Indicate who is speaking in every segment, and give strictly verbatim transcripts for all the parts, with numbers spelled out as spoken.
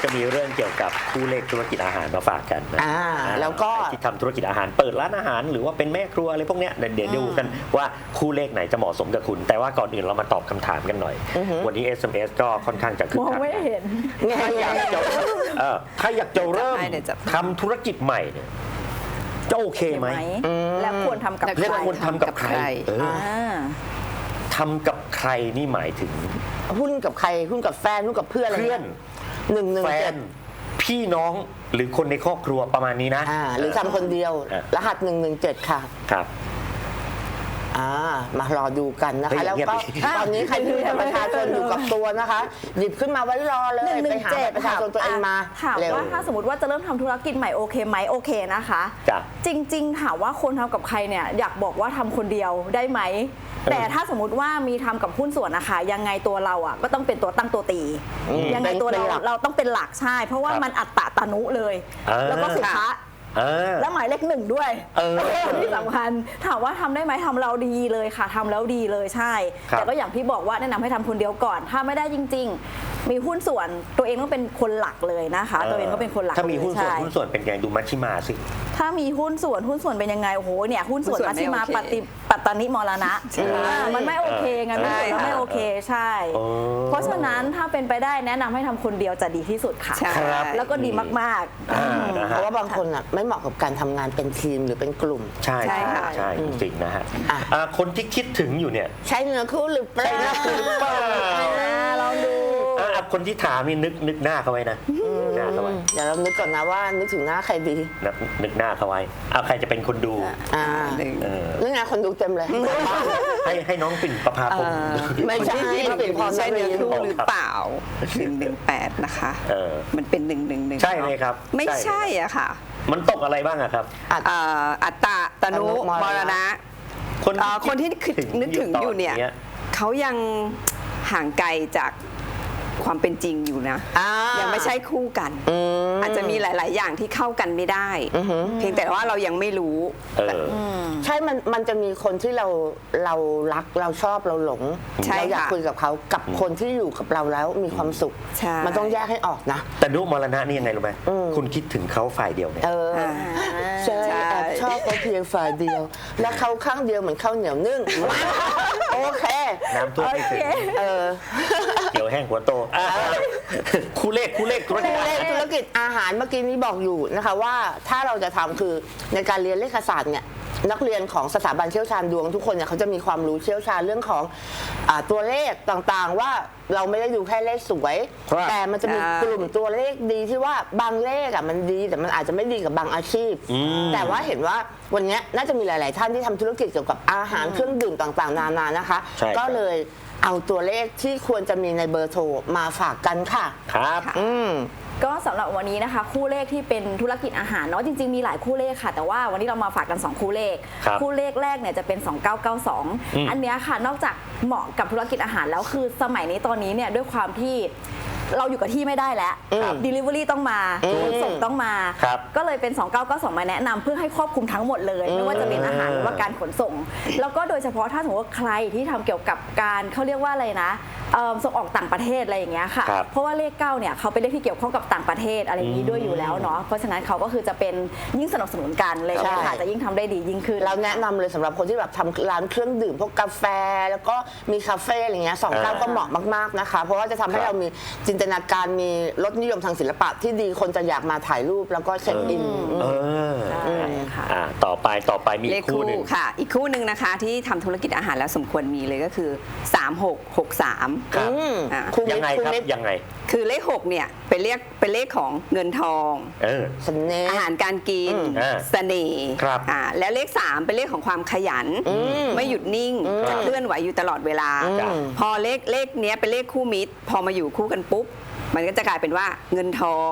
Speaker 1: จะมีเรื่องเกี่ยวกับคู่เลขธุรกิจอาหารมาฝากกันนะ
Speaker 2: อ่าแล้วก็
Speaker 1: ที่ทำธุรกิจอาหารเปิดร้านอาหารหรือว่าเป็นแม่ครัวอะไรพวกเนี้ยเดี๋ยวดูกันว่าคู่เลขไหนจะเหมาะสมกับคุณ แต่ว่าก่อนอื่นเรามาตอบคำถามกันหน่อย วันนี้ เอส เอ็ม เอส ก็ค่อนข้างจะคึก
Speaker 3: มอง
Speaker 1: คัก
Speaker 3: ไม่เห็น
Speaker 1: ถ้าอยากจะเอ่อถ้าอยากจะเริ่ม
Speaker 4: เดี๋ยวจับให้
Speaker 1: ทำธุรกิจใหม่เนี่ยจะโอเคไหม
Speaker 3: และควรทำกับ
Speaker 4: และ
Speaker 3: ใค
Speaker 1: เรียก
Speaker 3: ร
Speaker 1: ว่าควรทำกับใครเออ
Speaker 3: อ่า
Speaker 1: ทำกับใครนี่หมายถึง
Speaker 2: หุ้นกับใครหุ้นกับแฟนหุ้นกับเพื่อนอะไร
Speaker 1: เพื่อน
Speaker 2: หนึ่งหนึ่ง
Speaker 1: แฟ
Speaker 2: เจ็
Speaker 1: น
Speaker 2: ด
Speaker 1: พี่น้องหรือคนในครอบครัวประมาณนี้นะ
Speaker 2: อ่าหรือทำคนเดียว
Speaker 1: อ่ะ
Speaker 2: รหัสหนึ่งหนึ่งเจ็ดค่ะ
Speaker 1: ครับ
Speaker 2: อ่ามารอดูกันนะ
Speaker 1: เฮ้
Speaker 2: คะ
Speaker 1: ย
Speaker 2: แล้ว
Speaker 1: เงียบ
Speaker 2: ก็
Speaker 1: ดิ
Speaker 2: ตอนนี้ใครที่มีบัตรประชาชนอยู่กับตัวนะคะ หยิบขึ้นมาไว้รอเลย
Speaker 3: หนึ่งห
Speaker 2: ไป
Speaker 3: นึ่ง
Speaker 2: หา
Speaker 3: เจ็
Speaker 2: บั
Speaker 3: ด
Speaker 2: ตรประชาชนตัวเองมา
Speaker 3: ถาม
Speaker 2: เร็ว
Speaker 3: ว่าถ้าสมมติว่าจะเริ่มทำธุรกิจใหม่โอเคไหมโอเคนะคะ
Speaker 1: จ้ะ
Speaker 3: จริงๆถามว่าคนทำกับใครเนี่ยอยากบอกว่าทำคนเดียวได้ไหม แต่ถ้าสมมติว่ามีทำกับหุ้นส่วนนะคะยังไงตัวเราอ่ะก็ต้องเป็นตัวตั้งตัวตี
Speaker 2: อืม
Speaker 3: ยังไงตัวเรา
Speaker 2: เป็นหลัก
Speaker 3: เราต้องเป็นหลักใช่ เพราะว่า
Speaker 1: ครับ
Speaker 3: มันอัตตะตานุเลย
Speaker 1: อ่า
Speaker 3: แล้วก็สุภะ
Speaker 1: เออ
Speaker 3: และหมายเลขหนึ่งด้วย
Speaker 1: เออ
Speaker 3: ที่สำคัญถามว่าทำได้ไหมทำเราดีเลยค่ะทำแล้วดีเลยใช่
Speaker 1: ครับ
Speaker 3: แต่ก็อย่างที่บอกว่าแนะนำให้ทำคนเดียวก่อน ถ้าไม่ได้จริง ๆ มีหุ้นส่วนตัวเองต้องเป็นคนหลักเลยนะคะ ตัวเองก็เป็นคนหลัก
Speaker 1: ถ้ามีหุ้นส่วน
Speaker 3: เลย
Speaker 1: หุ้น
Speaker 3: ใช่
Speaker 1: ส่วนเป็นไงดูมัชชิมาสิ
Speaker 3: ถ้ามีหุ้นส่วนหุ้นส่วนเป็นยังไงโอ้โหเนี่ยหุ้นส่วน
Speaker 4: หุ้นส่วน
Speaker 3: มัชชิมา
Speaker 4: ไม่โอเค
Speaker 3: ปฏิปัตตานิมรณะ
Speaker 4: ใช่
Speaker 3: อ่ามันไม่โอเคไงมัน
Speaker 4: ใช่
Speaker 3: ไม่โอเคใช่
Speaker 1: โอ้
Speaker 3: เพราะฉะนั้นถ้าเป็นไปได้แนะนำให้ทำคนเดียวจะดีที่สุดค่ะ
Speaker 4: ใช่
Speaker 1: ครับ
Speaker 3: แล้วก็ดีมาก
Speaker 1: อ่านะ
Speaker 2: เพ
Speaker 1: ฮะ
Speaker 2: ราะว่าบางคนอ่ะไม่เหมาะกับการทำงานเป็นทีมหรือเป็นกลุ่ม
Speaker 1: ใช่
Speaker 4: ใช่
Speaker 1: ใช่
Speaker 4: ค่ะ
Speaker 1: ใช่จริงๆนะฮะ
Speaker 2: อ่ะ
Speaker 1: อ่าคนที่คิดถึงอยู่เนี่ย
Speaker 2: ใช่เนื้อคู่หรือเปล่า
Speaker 1: ใช่เนื้อคู่หรือเปล่า
Speaker 3: ๆอ่าลองดู
Speaker 1: อ่ะคนที่ถามนี่นึกนึกหน้าเขาไว้นะนึกหน้าเขาไว้
Speaker 2: เดี๋ยวเรานึกก่อนนะว่านึกถึงหน้าใครดี
Speaker 1: นึกนึกหน้าเขาไว้เอาใครจะเป็นคนดู
Speaker 2: อ่า
Speaker 4: หนึ่ง
Speaker 1: เออ
Speaker 2: เรื่องงานคนดูเต็มเลย
Speaker 1: ให้ให้น้องปิ่นประภาพงศ์
Speaker 2: ไม่ใช่
Speaker 4: ที่ที่
Speaker 2: เปลี่ยนความ
Speaker 4: ใช่เนื้อ
Speaker 2: รี
Speaker 4: คู่หรือเปล่าหนึ่งหนึ่งแปดนะคะ
Speaker 1: เออ
Speaker 4: มันเป็นหนึ่งหนึ่งหนึ่ง
Speaker 1: ใช่ไหมครับ
Speaker 4: ไม่
Speaker 1: ใช่
Speaker 4: ใช่อ่ะค่ะ
Speaker 1: มันตกอะไรบ้างอะครับ
Speaker 4: เอ่ออัตตะตนุ
Speaker 2: ตนุม
Speaker 4: ม
Speaker 2: ร
Speaker 4: ร
Speaker 2: ณะ
Speaker 4: ณะ
Speaker 1: คน
Speaker 4: เอ่อคนที่คิดนึกถึงอยู่เนี่ย
Speaker 1: ตอ
Speaker 4: เขายังห่างไกลจากความเป็นจริงอยู่นะ
Speaker 2: อ่า
Speaker 4: ยังไม่ใช่คู่กัน
Speaker 2: อืม
Speaker 4: อาจจะมีหลาย ๆ อย่างที่เข้ากันไม่ได้
Speaker 2: อือหือ
Speaker 4: เพียงแต่ว่าเรายังไม่รู้
Speaker 1: เออ
Speaker 2: ใช่ มัน มันจะมีคนที่เรา เรารัก เราชอบ เราหลง
Speaker 4: ใช่
Speaker 2: เราอยาก
Speaker 4: ค่ะ
Speaker 2: คุยกับเขา กับคนที่อยู่กับเราแล้วมีความสุข
Speaker 4: ใช่
Speaker 2: มันต้องแยกให้ออกนะ
Speaker 1: แต่นุมรณะนี่ยังไงรู้ไหม
Speaker 2: อืม
Speaker 1: คุณคิดถึงเขาฝ่ายเดียวเนี่ย
Speaker 2: เออ
Speaker 4: อ่า
Speaker 2: ใช่
Speaker 4: ใช่
Speaker 2: แอบชอบเขาเพียงฝ่ายเดียว และเขาข้างเดียวเหมือนข้าวเหนียวนึ่ง โอเค
Speaker 1: น้ำท่วมไม่ถึง
Speaker 2: เออ
Speaker 1: เดี๋ยวแห้งหัวโตอ่ะคู่เลขคู่เลขธุรกิจ
Speaker 2: เลขธุรกิจอาหารเมื่อกี้นี้บอกอยู่นะคะว่าถ้าเราจะทำคือในการเรียนเลขศาสตร์เนี่ยนักเรียนของสถาบันเชี่ยวชาญดวงทุกคนเนี่ยเขาจะมีความรู้เชี่ยวชาญเรื่องของอาตัวเลขต่างๆ ว่าเราไม่ได้ดูแค่เลขสวย
Speaker 1: ครับ
Speaker 2: แต่มันจะมี
Speaker 4: ใช่
Speaker 2: กลุ่มตัวเลขดีที่ว่าบางเลขอ่ะมันดีแต่มันอาจจะไม่ดีกับบางอาชีพ แต่ว่าเห็นว่าวันนี้น่าจะมีหลาย ๆ ท่านที่ทำธุรกิจเกี่ยวกับอาหารเครื่องดื่มต่างๆ นานานะคะ
Speaker 1: ใช่ครับ
Speaker 2: ก็เลยเอาตัวเลขที่ควรจะมีในเบอร์โทรมาฝากกันค่ะ
Speaker 1: ครับ
Speaker 2: อืม
Speaker 3: ก็สำหรับวันนี้นะคะ คู่เลขที่เป็นธุรกิจอาหารเนาะจริงๆมีหลายคู่เลขค่ะ แต่ว่าวันนี้เรามาฝากกัน สอง คู่เลข
Speaker 1: ครับ
Speaker 3: คู่เลขแรกเนี่ยจะเป็น สองเก้าเก้าสอง
Speaker 1: อืม
Speaker 3: อันเนี้ยค่ะนอกจากเหมาะกับธุรกิจอาหารแล้วคือสมัยนี้ตอนนี้เนี่ยด้วยความที่เราอยู่กับที่ไม่ได้แล้ว
Speaker 1: ครับ
Speaker 3: Delivery ต้องมา
Speaker 2: อืม
Speaker 3: ขนส่งต้องมา
Speaker 1: ครับ
Speaker 3: ก็เลยเป็น สองเก้าเก้าสอง มาแนะนำเพื่อให้ครอบคลุมทั้งหมดเลย ไม่ว่าจะเป็นอาหารหรือว่าการขนส่ง แล้วก็โดยเฉพาะถ้าสมมติว่าใครที่ทำเกี่ยวกับการเขาเรียกว่าอะไรนะเอิ่มส่งออกต่างประเทศอะไรอย่างเงี้ยค่ะ
Speaker 1: ครับ
Speaker 3: เพราะว่าเลขเก้าเนี่ยเขาเป็นเลขที่เกี่ยวข้องกับต่างประเทศอะไรอย่างนี้ด้วยอยู่แล้วเนาะเพราะฉะนั้นเขาก็คือจะเป็นยิ่งสนับสนุนกันเลย
Speaker 2: ใช่
Speaker 3: ค่ะจะยิ่งทำได้ดียิ่งขึ้น
Speaker 2: เราแนะนำเลยสำหรับคนที่แบบทำร้านเครื่องดื่มพวกกาแฟ แล้วก็มีคาเฟ่อะไรเงี้ยสองเก้า
Speaker 1: อ่า
Speaker 2: ก็เหมาะมากๆนะคะ เพราะว่าจะทำให้
Speaker 1: ครับ
Speaker 2: เรามีจินตนาการมีรสนิยมทางศิลปะที่ดีคนจะอยากมาถ่ายรูปแล้วก็เช็คอิน
Speaker 1: เออ
Speaker 3: ใช่ค่ะ
Speaker 1: อ่าต่อไปต่อไปมี
Speaker 4: เล
Speaker 1: อี
Speaker 4: ข
Speaker 1: กคู่
Speaker 4: คู่
Speaker 1: หนึ่ง
Speaker 4: ค่ะ อีกคู่หนึ่งนะคะที่ทำธุรกิจอาหารแล้วสมควรมีเลยก็คือ สามหกหกสาม
Speaker 1: ครับ
Speaker 2: อืม
Speaker 4: อ่า
Speaker 2: คุณ
Speaker 1: ยังไง
Speaker 2: คุณ
Speaker 1: ครับ
Speaker 2: นิด
Speaker 1: ยังไง
Speaker 4: คือเลขหกเนี่ยเป็นเลขเป็นเลขของเงินทอง
Speaker 1: เออ
Speaker 2: สำเนีย
Speaker 4: อาหารการกิน
Speaker 2: อืม
Speaker 1: อ่า
Speaker 4: เสน่ห์
Speaker 1: ครับ
Speaker 4: อ่าแล้วเลขสามเป็นเลขของความขยัน ไม่หยุดนิ่งจะเคลื่อนไหวอยู่ตลอดเวลา
Speaker 1: จ้ะ
Speaker 4: พอเลขเลขเนี้ยเป็นเลขคู่มิตร พอมาอยู่คู่กันปุ๊บ มันก็จะกลายเป็นว่าเงินทอง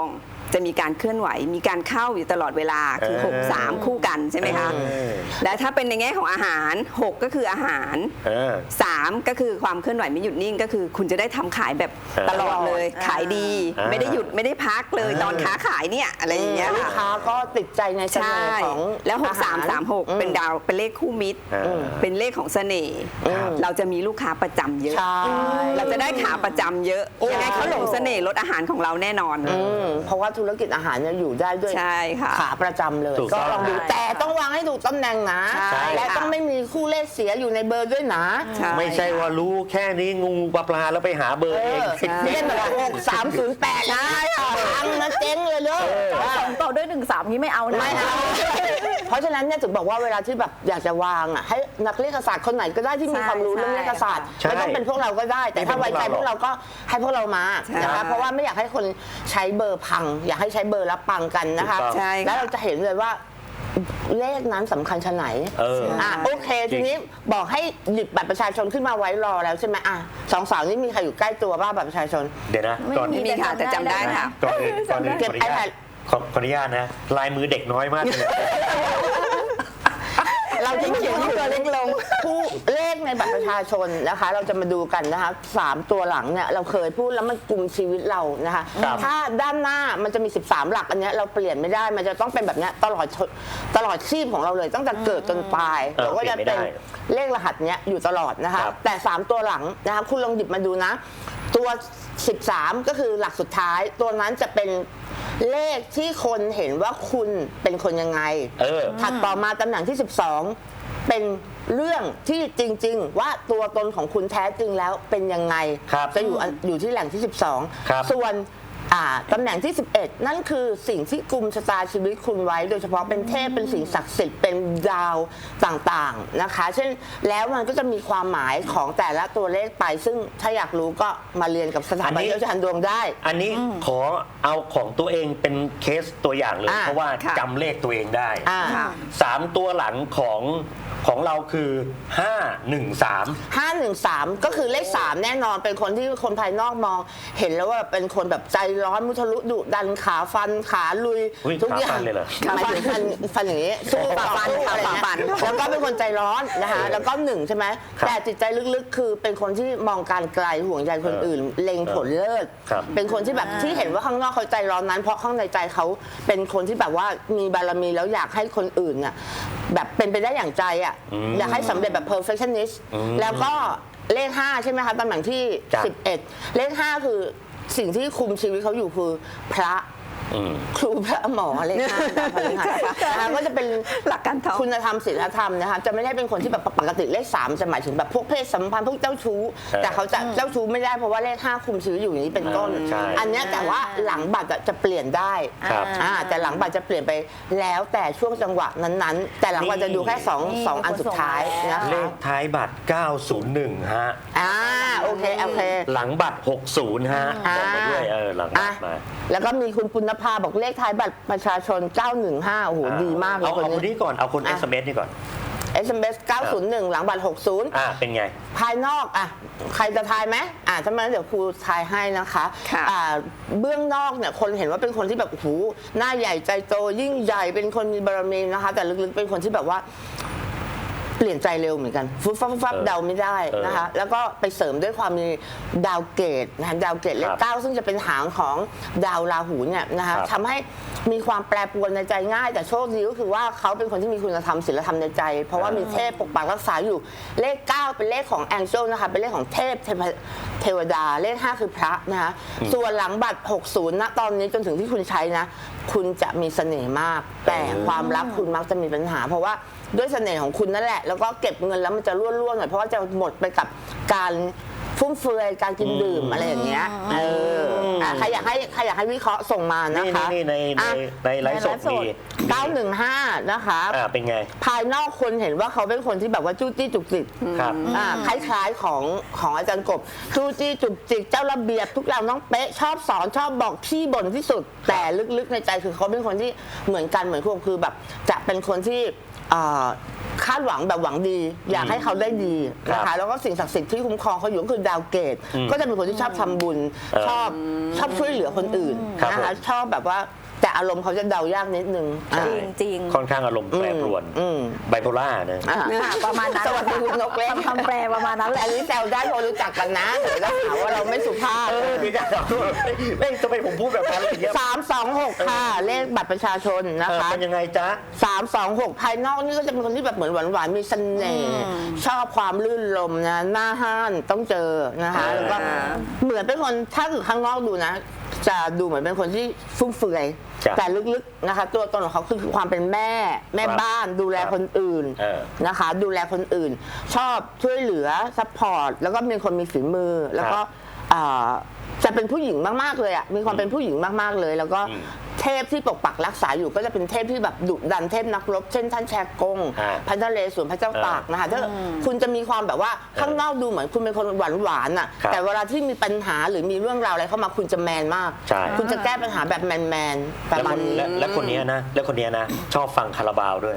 Speaker 4: จะมีการเคลื่อนไหวมีการเข้าอยู่ตลอดเวลาคือ
Speaker 1: เออ
Speaker 4: หก สาม คู่กันใช่ไหมคะ
Speaker 1: เออ
Speaker 4: และถ้าเป็นในแง่ของอาหารหกก็คืออาหาร
Speaker 1: เออ
Speaker 4: สามก็คือความเคลื่อนไหวไม่หยุดนิ่งก็คือคุณจะได้ทำขายแบบ
Speaker 1: เออ
Speaker 4: ตลอดเลย
Speaker 3: อ่า
Speaker 4: ขายดี
Speaker 1: อ่า
Speaker 4: ไม่ได้หยุดไม่ได้พักเลย
Speaker 1: เออ
Speaker 4: ตอนค้าขายเนี่ยอะไรอย่างเงี้ย
Speaker 2: ลูก
Speaker 4: ค่ะ
Speaker 2: ค้าก็ติดใจในเส
Speaker 4: ใช่
Speaker 2: น่ห์ของ
Speaker 4: แล้วหก
Speaker 2: อาห
Speaker 4: สาม
Speaker 2: ร
Speaker 4: สามหก
Speaker 2: อืม
Speaker 4: เป็นดาวเป็นเลขคู่มิตร
Speaker 1: อืม
Speaker 4: เป็นเลขของเสน่ห์
Speaker 1: ครับ
Speaker 4: เราจะมีลูกค้าประจำเยอะ
Speaker 2: ใช่
Speaker 4: เราจะได้ขาประจำเยอะยังไงเขาหลงเสน่ห์รสอาหารของเราแน่นอน
Speaker 2: อืมเพราะว่าธุรกิจอาหารเนี่ยอยู่ได้ด้วย
Speaker 4: ใช่ค่ะ
Speaker 2: ขาประจำเลย
Speaker 1: ถูก
Speaker 2: ก็
Speaker 1: ต้อง
Speaker 2: ลองดู
Speaker 3: ใช่
Speaker 2: แต่ต้องวางให้ถูกตำแหน่งนะ
Speaker 4: ใช่
Speaker 2: และ
Speaker 4: ค่ะ
Speaker 2: ต้องไม่มีคู่เลขเสียอยู่ในเบอร์ด้วยนะ
Speaker 4: ใช่
Speaker 1: ไม่ใช่ว่ารู้แค่นี้งูปลาปลาแล้วไปหาเบอร์
Speaker 2: เอ
Speaker 1: เอง
Speaker 2: อไม่ได้แบบหกสามศูนย์แปดนะพังนะเจ๊งเลยเด้อ
Speaker 3: สองต่อด้วยหนึ่งสามนี้ไม่เอานะ
Speaker 2: ไม่เอาเพราะฉะนั้นเนี่ยถึงบอกว่าเวลาที่แบบอยากจะวางอ่ะให้นักเลขศาสตร์คนไหนก็ได้ที่มีความรู้เรื่องเลขศาสตร์
Speaker 1: ใช่
Speaker 2: ไม่ต้องเป็นพวกเราก็ได้ แต่ถ้าไว้ใจพวกเราก็ให้พวกเรามา
Speaker 4: ใช่
Speaker 2: นะคะเพราะว่าไม่อยากให้คนใช้เบอร์พัง อยากให้ใช้เบอร์แล้วปังกันนะคะ
Speaker 1: ถูกต้อง
Speaker 4: ใช่ค่ะ
Speaker 2: แล้วเราจะเห็นเลยว่าเลขนั้นสำคัญชะไหน
Speaker 1: เออ
Speaker 2: อ่ะโอเค
Speaker 1: จริ
Speaker 2: ที
Speaker 1: ง
Speaker 2: นี้บอกให้หยิบบัตรประชาชนขึ้นมาไว้รอแล้วใช่ไหมอ่ะสองสาวนี่มีใครอยู่ใกล้ตัวบ้างบัตรประชาชน
Speaker 1: เดี๋ยวนะ
Speaker 3: ไม่
Speaker 1: ก่อน
Speaker 3: มี
Speaker 4: มีค่ะแต่จำได้ค่ะ
Speaker 1: ก่อนอื่นก่อนอื่น
Speaker 2: เก็บ
Speaker 1: ขออนุญาต
Speaker 2: iPad
Speaker 1: ขอขออนุญาตนะ ลายมือเด็กน้อยมากเลย
Speaker 2: เราจะมาเขียนที่ตัวเล็กลงผู้เลขในบัตรประชาชนนะคะ เราจะมาดูกันนะคะสามตัวหลังเนี่ยเราเคยพูดแล้วมันกลุ่มชีวิตเรานะคะ
Speaker 1: ครับ
Speaker 2: ถ้าด้านหน้ามันจะมีสิบสามหลักอันเนี้ยเราเปลี่ยนไม่ได้มันจะต้องเป็นแบบเนี้ยตลอดชตลอดชีพของเราเลยตั้งแต่เกิดจนตาย
Speaker 1: เออ
Speaker 2: เราก็จะ
Speaker 1: เปลี่
Speaker 2: เป็
Speaker 1: ย
Speaker 2: น
Speaker 1: นไม่ได้
Speaker 2: เลขรหัสเนี้ยอยู่ตลอดนะคะ
Speaker 1: ครับ
Speaker 2: แต่สามตัวหลังนะคะคุณลองหยิบมาดูนะ ตัวสิบสามก็คือหลักสุดท้าย ตัวนั้นจะเป็นเลขที่คนเห็นว่าคุณเป็นคนยังไง
Speaker 1: เออ
Speaker 2: ถัดต่อมาตำแหน่งที่ สิบสอง เป็นเรื่องที่จริง ๆ ว่าตัวตนของคุณแท้จริงแล้วเป็นยังไง
Speaker 1: ครับ
Speaker 2: จะอยู่อันอยู่ที่แหล่งที่ สิบสอง
Speaker 1: ครับ
Speaker 2: ส่วนอ่าตำแหน่งที่ สิบเอ็ด นั่นคือสิ่งที่กุมชะตาชีวิตคุณไว้ โดยเฉพาะเป็นเทพเป็นสิ่งศักดิ์สิทธิ์เป็นดาวต่างๆนะคะ เช่นแล้วมันก็จะมีความหมายของแต่ละตัวเลขไป ซึ่งถ้าอยากรู้ก็มาเรียนกับสถาบันเชี่ยวชาญดวงได้
Speaker 1: อันนี้ขอเอาของตัวเองเป็นเคสตัวอย่างเลย
Speaker 2: อ่า
Speaker 1: เพราะว่า
Speaker 4: ค่ะ
Speaker 1: จำเลขตัวเองได้
Speaker 2: อ่า
Speaker 4: ค่ะ
Speaker 1: สามตัวหลังของของเราคือห้าหนึ่งสาม
Speaker 2: ห้าหนึ่งสามก็คือเลขสามแน่นอนเป็นคนที่คนภายนอกมอง เห็นแล้วว่าเป็นคนแบบใจร้อนมุทะลุดุดันขาฟันขาลุย
Speaker 1: อุ๊ย
Speaker 2: ทุกอย่า
Speaker 1: ขาฟั
Speaker 2: ง
Speaker 1: นเลยเหรอ
Speaker 2: หมายถึงฟันฟันอย่างนี้สู้
Speaker 4: ฝ่าฟัน
Speaker 2: สู้
Speaker 4: ค่ะ
Speaker 2: อะไร
Speaker 4: ฝ่าฟัน
Speaker 2: เงี้ยแล้วก็เป็นคนใจร้อนนะคะแล้วก็หนึ่งใช่ไหม
Speaker 1: ครับ
Speaker 2: แต่จิตใจลึกๆ คือเป็นคนที่มองการไกลห่วงใยคนอื่น เล็งผลเลิศ
Speaker 1: ครับ
Speaker 2: เป็นคนที่แบบที่เห็นว่าข้างนอกเขาใจร้อนนั้น เพราะข้างในใจเขาเป็นคนที่แบบว่ามีบารมีแล้วอยากให้คนอื่นเนี่ยแบบเป็นไปได้อย่างใจอ่ะ
Speaker 1: อืม
Speaker 2: อยากให้สำเร็จแบบ perfectionist
Speaker 1: อืม
Speaker 2: แล้วก็เลขห้าใช่ไหมคะตำแหน่งที่
Speaker 1: จ้ะ
Speaker 2: สิบเอ็ดเลขห้าคือสิ่งที่คุมชีวิตเขาอยู่คือพระ
Speaker 1: อืม
Speaker 2: ครูพระหมอเลขห้าดาวพฤหัสนะคะก็จะเป็น
Speaker 4: หลักการท่อง
Speaker 2: คุณธรรมศีลธรรมนะคะจะไม่ได้เป็นคนที่แบบปกติเลขสามจะหมายถึงแบบพวกเพศสัมพันธ์พวกเจ้าชู้
Speaker 1: เออ
Speaker 2: แต่เขาจะเจ้าชู้ไม่ได้เพราะว่าเลขห้าคุมชีวิตอยู่อย่างนี้เป็นต้น
Speaker 1: เออใช่
Speaker 2: อันเนี้ยแต่ว่าหลังบัตรอะจะเปลี่ยนได้
Speaker 1: ครับ
Speaker 2: อ่าแต่หลังบัตรจะเปลี่ยนไปแล้วแต่ช่วงจังหวะนั้นๆ แต่หลังบัตรจะดูแค่สอง
Speaker 3: นี่
Speaker 2: สองอันสุดท้ายนะ
Speaker 1: เล
Speaker 2: คะ
Speaker 1: ขท้ายบัตรเก้าศูนย์หนึ่งฮะ
Speaker 2: อ่าโอเคโอเค
Speaker 1: หลังบัตรหกสิบฮะบอกมาด้วยเออหลังบั
Speaker 2: อ่ะ
Speaker 1: ตรมา
Speaker 2: แล้วก็มีคุณปุณภาบอกเลขท้ายบัตรประชาชน เก้าหนึ่งห้า โอ้โห ดีมากเลย
Speaker 1: เอา
Speaker 2: คน
Speaker 1: เอาคน
Speaker 2: นี้
Speaker 1: นี้ก่อนเอาคน
Speaker 2: อ่ะ
Speaker 1: เอส เอ็ม เอส นี่ก่อน
Speaker 2: เอส เอ็ม เอส เก้าศูนย์หนึ่ง หลังบัตร หกสิบ
Speaker 1: อ่าเป็นไง
Speaker 2: ภายนอกอ่ะใครจะทายไหมอ่ะถ้าไม่งั้นเดี๋ยวครูทายให้นะคะ
Speaker 4: ค่ะ
Speaker 2: อ่าเบื้องนอกเนี่ยคนเห็นว่าเป็นคนที่แบบโอ้โหหน้าใหญ่ใจโตยิ่งใหญ่เป็นคนมีบารมีนะคะ แต่ลึกๆเป็นคนที่แบบว่า เปลี่ยนใจเร็วเหมือนกันฟุบฟับฟุบฟับ
Speaker 1: เออ
Speaker 2: เดาไม่ได้นะคะ แล้วก็ไปเสริมด้วยความมีดาวเกตนะคะดาวเกตเล
Speaker 1: ค
Speaker 2: ข
Speaker 1: รับ
Speaker 2: เก้าซึ่งจะเป็นหางของดาวราหูเนี่ยนะคะ
Speaker 1: ครับ
Speaker 2: ทำให้มีความแปรปรวนในใจง่าย แต่โชคดีก็คือว่าเขาเป็นคนที่มีคุณธรรมศีลธรรมในใจ เพราะว่ามีเทพปกปักรักษาอยู่เลขเก้าเป็นเลขของแองเจิลนะคะเป็นเลขของเทพเทพเทวดาเลขห้าคือพระนะคะส่วนหลังบัตรหกสิบณตอนนี้จนถึงที่คุณใช้นะ คุณจะมีเสน่ห์มาก แต่ความรักคุณมักจะมีปัญหา เพราะว่าด้วยเสน่ห์ของคุณนั่นแหละ แล้วก็เก็บเงินแล้วมันจะร่วนๆหน่อยเพราะว่าจะหมดไปกับการฟุ่มเฟือยการกินดื่มอะไรอย่างเงี้ยเอออ่ะใครอยากให้ใครอยากให้วิเคราะห์ส่งมานะ
Speaker 1: นี่
Speaker 2: คะ
Speaker 1: นี่ในใน
Speaker 2: อ่ะ
Speaker 1: ในไลฟ์สดมี
Speaker 2: เก้าหนึ่งห้านะคะ
Speaker 1: อ่าเป็นไง
Speaker 2: ภายนอกคนเห็นว่าเขาเป็นคนที่แบบว่าจู้จี้จุกจิก
Speaker 1: ครับ
Speaker 2: อ่าคล้ายๆของของอาจารย์กบจู้จี้จุกจิกเจ้าระเบียบทุกอย่างต้องเป๊ะชอบสอนชอบบอกที่บ่นที่สุด แต่ลึกๆในใจคือเขาเป็นคนที่เหมือนกันเหมือนพวกคือแบบจะเป็นคนที่อ่าขคาดหวังแบบหวังดี อยากให้เขาได้ดีนะ
Speaker 1: ครั
Speaker 2: คะ
Speaker 1: บ
Speaker 2: แล้วก็สิ่งศักดิ์สิทธิ์ที่คุ้มครองเขาอยู่ก็คือดาวเกต
Speaker 1: อืม
Speaker 2: ก็จะเป็นคนที่ชอบทำบุญ
Speaker 1: เออ
Speaker 2: ชอบชอบช่วยเหลือคนอื่น
Speaker 1: ครับ
Speaker 2: นะคะ
Speaker 1: ผม
Speaker 2: ชอบแบบว่าแต่อารมณ์เขาจะเดายากนิดนึง
Speaker 1: ใช่
Speaker 3: จริงจริง
Speaker 1: ค่อนข้างอารมณ์แปรปรวน
Speaker 2: อืม
Speaker 1: ไบโพล่านะ
Speaker 2: อ่ะ
Speaker 3: ค่ะประมาณนั้น
Speaker 2: สวัสดีคุณนกเล็ก
Speaker 3: คำแปลประมาณนั้นแหละ
Speaker 2: อันนี้แซวได้เพราะรู้จักกันนะเดี๋ยวจะหาว่าเราไม่สุภาพ
Speaker 1: เออพี่จะถามว่าเฮ้ยทำไมผมพูดแบบนั้นอะไรอย่างเงี้ย
Speaker 2: สามสองหกค่ะ เลขบัตรประชาชนนะ
Speaker 1: เออ
Speaker 2: คะ
Speaker 1: เป็นยังไงจ๊ะ
Speaker 2: สามสองหกภายนอกนี่ก็จะเป็นคนที่แบบเหมือนหวานๆมีเสน่ห์ชอบความลื่นลมนะหน้าห้านต้องเจอนะคะ
Speaker 1: อ่า
Speaker 2: แล้วก็เหมือนเป็นคนถ้าอยู่ข้างนอกดูนะ จะดูเหมือนเป็นคนที่ฟุ่มเฟือย
Speaker 1: จ้ะ
Speaker 2: แต่ลึกๆนะคะ ตัวตนของเขาคือความเป็นแม่แม่
Speaker 1: ครับ
Speaker 2: บ้านดูแล
Speaker 1: ครับ
Speaker 2: คนอื่น
Speaker 1: เออ
Speaker 2: นะคะ ดูแลคนอื่น ชอบช่วยเหลือซัพพอร์ตแล้วก็เป็นคนมีฝีมือ แล้วก็อ่าจะเป็นผู้หญิงมากๆเลยอ่ะมีความเป็นผู้หญิงมากๆเลย แล้วก็
Speaker 1: อืม
Speaker 2: เทพที่ปกปักรักษาอยู่ก็จะเป็นเทพที่แบบดุดันเทพนักรบเช่นท่านแชกง
Speaker 1: ฮะ
Speaker 2: พระนเรศวรพระเจ้าตากนะคะถ้าคุณจะมีความแบบว่าข้างนอกดูเหมือนคุณเป็นคนหวานหวานๆอ่ะ
Speaker 1: ครับ
Speaker 2: แต่เวลาที่มีปัญหาหรือมีเรื่องราวอะไรเข้ามาคุณจะแมนมาก
Speaker 1: ใช่
Speaker 2: คุณจะแก้ปัญหาแบบแมนแมนๆประ
Speaker 1: แล้ว
Speaker 2: มา
Speaker 1: ค
Speaker 2: ณ
Speaker 1: น
Speaker 2: นี้
Speaker 1: และและคนเนี้ยนะ และคนเนี้ยนะ ชอบฟังคาราบาวด้วย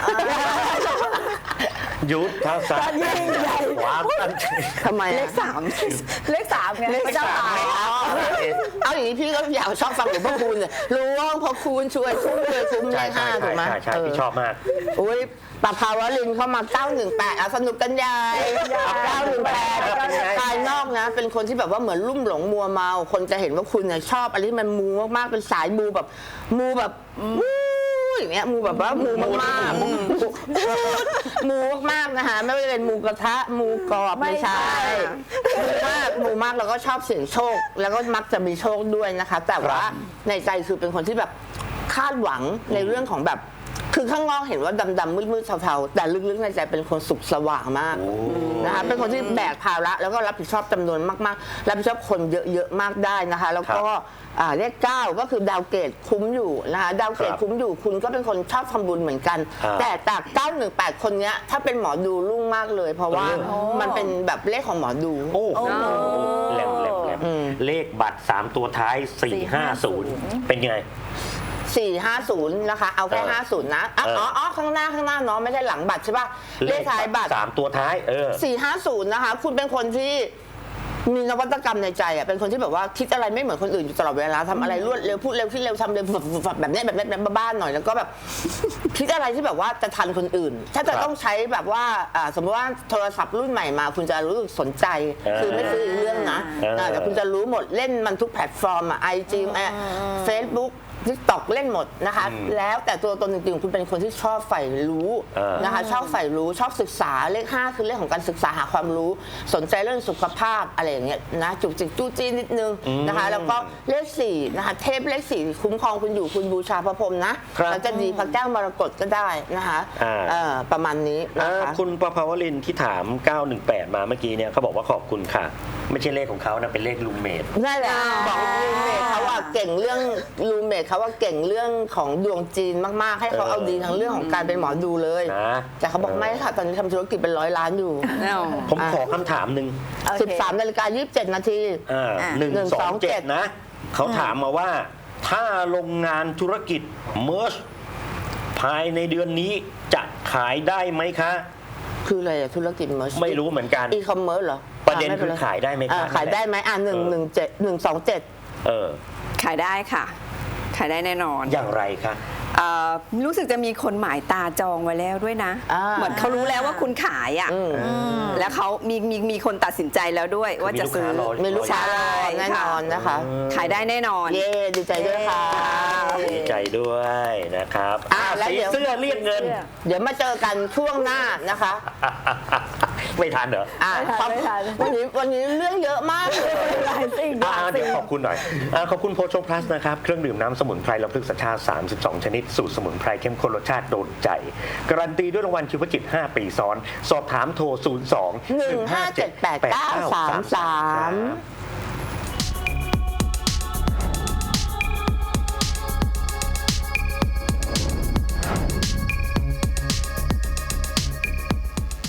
Speaker 1: ยุทธศาสตร์
Speaker 3: ยิ่งใหญ่
Speaker 1: ความตั้งใจ
Speaker 2: ทำไม
Speaker 4: เล
Speaker 2: อะ
Speaker 4: ขสาม
Speaker 3: เลขสามไงพระเจ้าตาก
Speaker 2: อ๋อเอาอย่างนี้พี่ก็อยากชอบฟังหลวงพ่อคูณเลยรู้ว่าพอคูณช่วยคุ้มเลยคุ้มเล
Speaker 1: ใช่
Speaker 2: ข
Speaker 1: ใช่
Speaker 2: ห้าถู
Speaker 1: ใช่
Speaker 2: กไหม
Speaker 1: ใช่ใช่
Speaker 2: เออ
Speaker 1: พี่ชอบมาก
Speaker 2: อุ้ยปะภาวลินเข้ามาเก้าหนึ่งแปดอ่ะสนุกกันใหญ่เก้าหนึ่งแปด
Speaker 1: เป็นไง
Speaker 2: ภายนอกนะ เป็นคนที่แบบว่าเหมือนลุ่มหลงมัวเมา คนจะเห็นว่าคุณเนี่ยชอบอะไรที่มันมูมากๆเป็นสายมูแบบมูแบบมูอย่างเงี้ยมูแบบว่ามูมากๆมูมูมากๆนะคะไม่ว่าจะเป็นมูกระทะมูกรอบไม่ใช่มูมากมูมากแล้วก็ชอบเสี่ยงโชค แล้วก็มักจะมีโชคด้วยนะคะ แต่ว่าในใจคือเป็นคนที่แบบคาดหวังในเรื่องของแบบ คือข้างนอกเห็นว่าดำๆมืดๆเทาๆแต่ลึกๆในใจเป็นคนสุขสว่างมากนะคะเป็นคนที่แบกภาระแล้วก็รับผิดชอบจำนวนมากๆรับผิดชอบคนเยอะๆมากได้นะคะ แล้วก็อ่าเลขเก้าก็คือดาวเกตคุ้มอยู่นะคะดาวเกต
Speaker 1: ครับ
Speaker 2: คุ้มอยู่คุณก็เป็นคนชอบทำบุญเหมือนกัน
Speaker 1: อ่า
Speaker 2: แต่จากเก้าหนึ่งแปดคนเนี้ยถ้าเป็นหมอดูรุ่งมากเลย เพราะว่า
Speaker 1: โอ้
Speaker 2: มันเป็นแบบเลขของหมอดู
Speaker 1: โอ้โหแหลมแหลมแหลมเลขบัตรสามตัวท้ายสี่ห้าศูนย์เป็นไง
Speaker 2: สี่ห้าศูนย์นะคะเอาแค่
Speaker 1: เออ
Speaker 2: ห้าศูนย์นะอ่ะ
Speaker 1: เอออ๋
Speaker 2: อ๋ออ๋อข้างหน้าข้างหน้าเนาะไม่ใช่หลังบัตรใช่ป่ะเลขท้ายบัตร
Speaker 1: สามตัวท้าย เออ
Speaker 2: สี่ห้าศูนย์นะคะ คุณเป็นคนที่มีนวัตกรรมในใจอ่ะเป็นคนที่แบบว่าคิดอะไรไม่เหมือนคนอื่นอยู่ตลอดเวลาทำอะไรรวดเร็วพูดเร็วคิดเร็วทำเร็วฝับๆแบบเนี้ยแบบเนี้ยแบบบ้านๆหน่อยแล้วก็แบบ คิดอะไรที่แบบว่าจะทันคนอื่น ถ้าจะ
Speaker 1: ครับ
Speaker 2: ต้องใช้แบบว่าอ่าสมมติว่าโทรศัพท์รุ่นใหม่มา คุณจะรู้สึกสนใจ
Speaker 1: เออ
Speaker 2: คือไม่ซื้ออีกเรื่องนะ
Speaker 1: เอออ่
Speaker 2: าแต่คุณจะรู้หมดเล่นมันทุกแพลตฟอร์มอ่ะไอจีเฟซบุ๊กทิกตอกเล่นหมดนะคะ แล้วแต่ตัวตนจริงๆคุณเป็นคนที่ชอบใฝ่รู้
Speaker 1: เออ
Speaker 2: นะคะ ชอบใฝ่รู้ชอบศึกษาเลขห้าคือเรื่องของการศึกษาหาความรู้ สนใจเรื่องสุขภาพอะไรอย่างเงี้ยนะจุกจิกจู้จี้นิดนึงนะคะ แล้วก็เลขสี่นะคะเทพเลขสี่คุ้มครองคุณอยู่คุณบูชาพระพรหมนะครับ แล้วจะดีพระแก้วมรกตก็ได้นะคะ
Speaker 1: อ่า
Speaker 2: เอ่อประมาณนี้
Speaker 1: อ่า
Speaker 2: นะคะ
Speaker 1: คุณประภาวรินทร์ที่ถาม เก้าหนึ่งแปด มาเมื่อกี้เนี่ยเขาบอกว่าขอบคุณค่ะ ไม่ใช่เลขของเขานะเป็นเลขลูมเมด
Speaker 2: นั่นแหละบอกรูเมทเขาว่าเก่งเรื่องรูเมทเขาว่าเก่งเรื่องของดวงจีนมากๆ ให้เขา
Speaker 1: เออ
Speaker 2: เอาดีทั้งเรื่องของการเป็นหมอดูเลย
Speaker 1: นะ
Speaker 2: แต่เขาบอกไม่ค่ะตอนนี้ทำธุรกิจเป็นร้อยล้านอยู่
Speaker 1: ผมขอคำถามหนึ่ง
Speaker 3: โอเค
Speaker 2: สิบสามนาฬิกายี่สิบเจ็ดนาที
Speaker 1: อ่า
Speaker 3: อ่ะ
Speaker 1: หนึ่งสองเจ็ด
Speaker 2: หนึ่งสองเจ็ด
Speaker 1: นะ เขาถามมาว่า ถ้าโรงงานธุรกิจเมอร์ชภายในเดือนนี้จะขายได้ไหมคะ
Speaker 2: คืออะไรอะธุรกิจเมอร์ช
Speaker 1: ไม่รู้เหมือนกัน
Speaker 2: อีคอมเมิร์ซเหรอ
Speaker 1: ประเด็น
Speaker 2: อ่
Speaker 1: คือขายได้ไหม
Speaker 2: อ่า
Speaker 1: คะ
Speaker 2: ขายได้ไหมอ่าหนึ่งหนึ่งเจ็ดหนึ่งสองเจ็ด
Speaker 1: เออ
Speaker 4: ขายได้ค่ะ ขายได้แน่นอน
Speaker 1: อย่างไรคะ
Speaker 4: เอ่อรู้สึกจะมีคนหมายตาจองไว้แล้วด้วยนะ
Speaker 2: อ่า
Speaker 4: เหมือนเขารู้แล้วว่าคุณขายอ่ะ
Speaker 2: อืม
Speaker 4: แล้วเขามีมีมีคนตัดสินใจแล้วด้วยว่าจะซื้อ
Speaker 1: มีลูกค้ารอ
Speaker 2: มีลูกค้ารอแน่นอนนะคะ
Speaker 4: ขายได้แน่นอน
Speaker 2: เย้ดีใจด้วยค่ะ
Speaker 1: ดีใจด้วยนะครับ
Speaker 2: อ่ะ
Speaker 1: อ่ะ
Speaker 2: แล้ว
Speaker 1: สี
Speaker 2: เดี๋ยว
Speaker 1: เสื้อเรียกเงิน
Speaker 2: เดี๋ยวมาเจอกันช่วงหน้านะคะ
Speaker 1: ไม่ทันเหรอ
Speaker 2: อ่า
Speaker 3: ไม่ทันไม่ทัน
Speaker 2: วันนี้วันนี้เรื่องเยอะมากเลย
Speaker 3: หลายสิ่งห
Speaker 1: อ่า
Speaker 3: ลาย
Speaker 1: เดี๋
Speaker 3: สิ่
Speaker 1: ยว
Speaker 3: ง
Speaker 1: ขอบคุณหน่อยอาขอบคุณโพชงพลัสนะครับ เครื่องดื่มน้ำสมุนไพรลำพึกสัญชาติ สามสิบสอง ชนิด สูตรสมุนไพรเข้มข้นรสชาติโดนใจ การันตีด้วยรางวัลชีวจิต ห้า ปีซ้อน สอบถามโทร ศูนย์ สอง
Speaker 2: หนึ่งห้าเจ็ดแปดเก้าสามสาม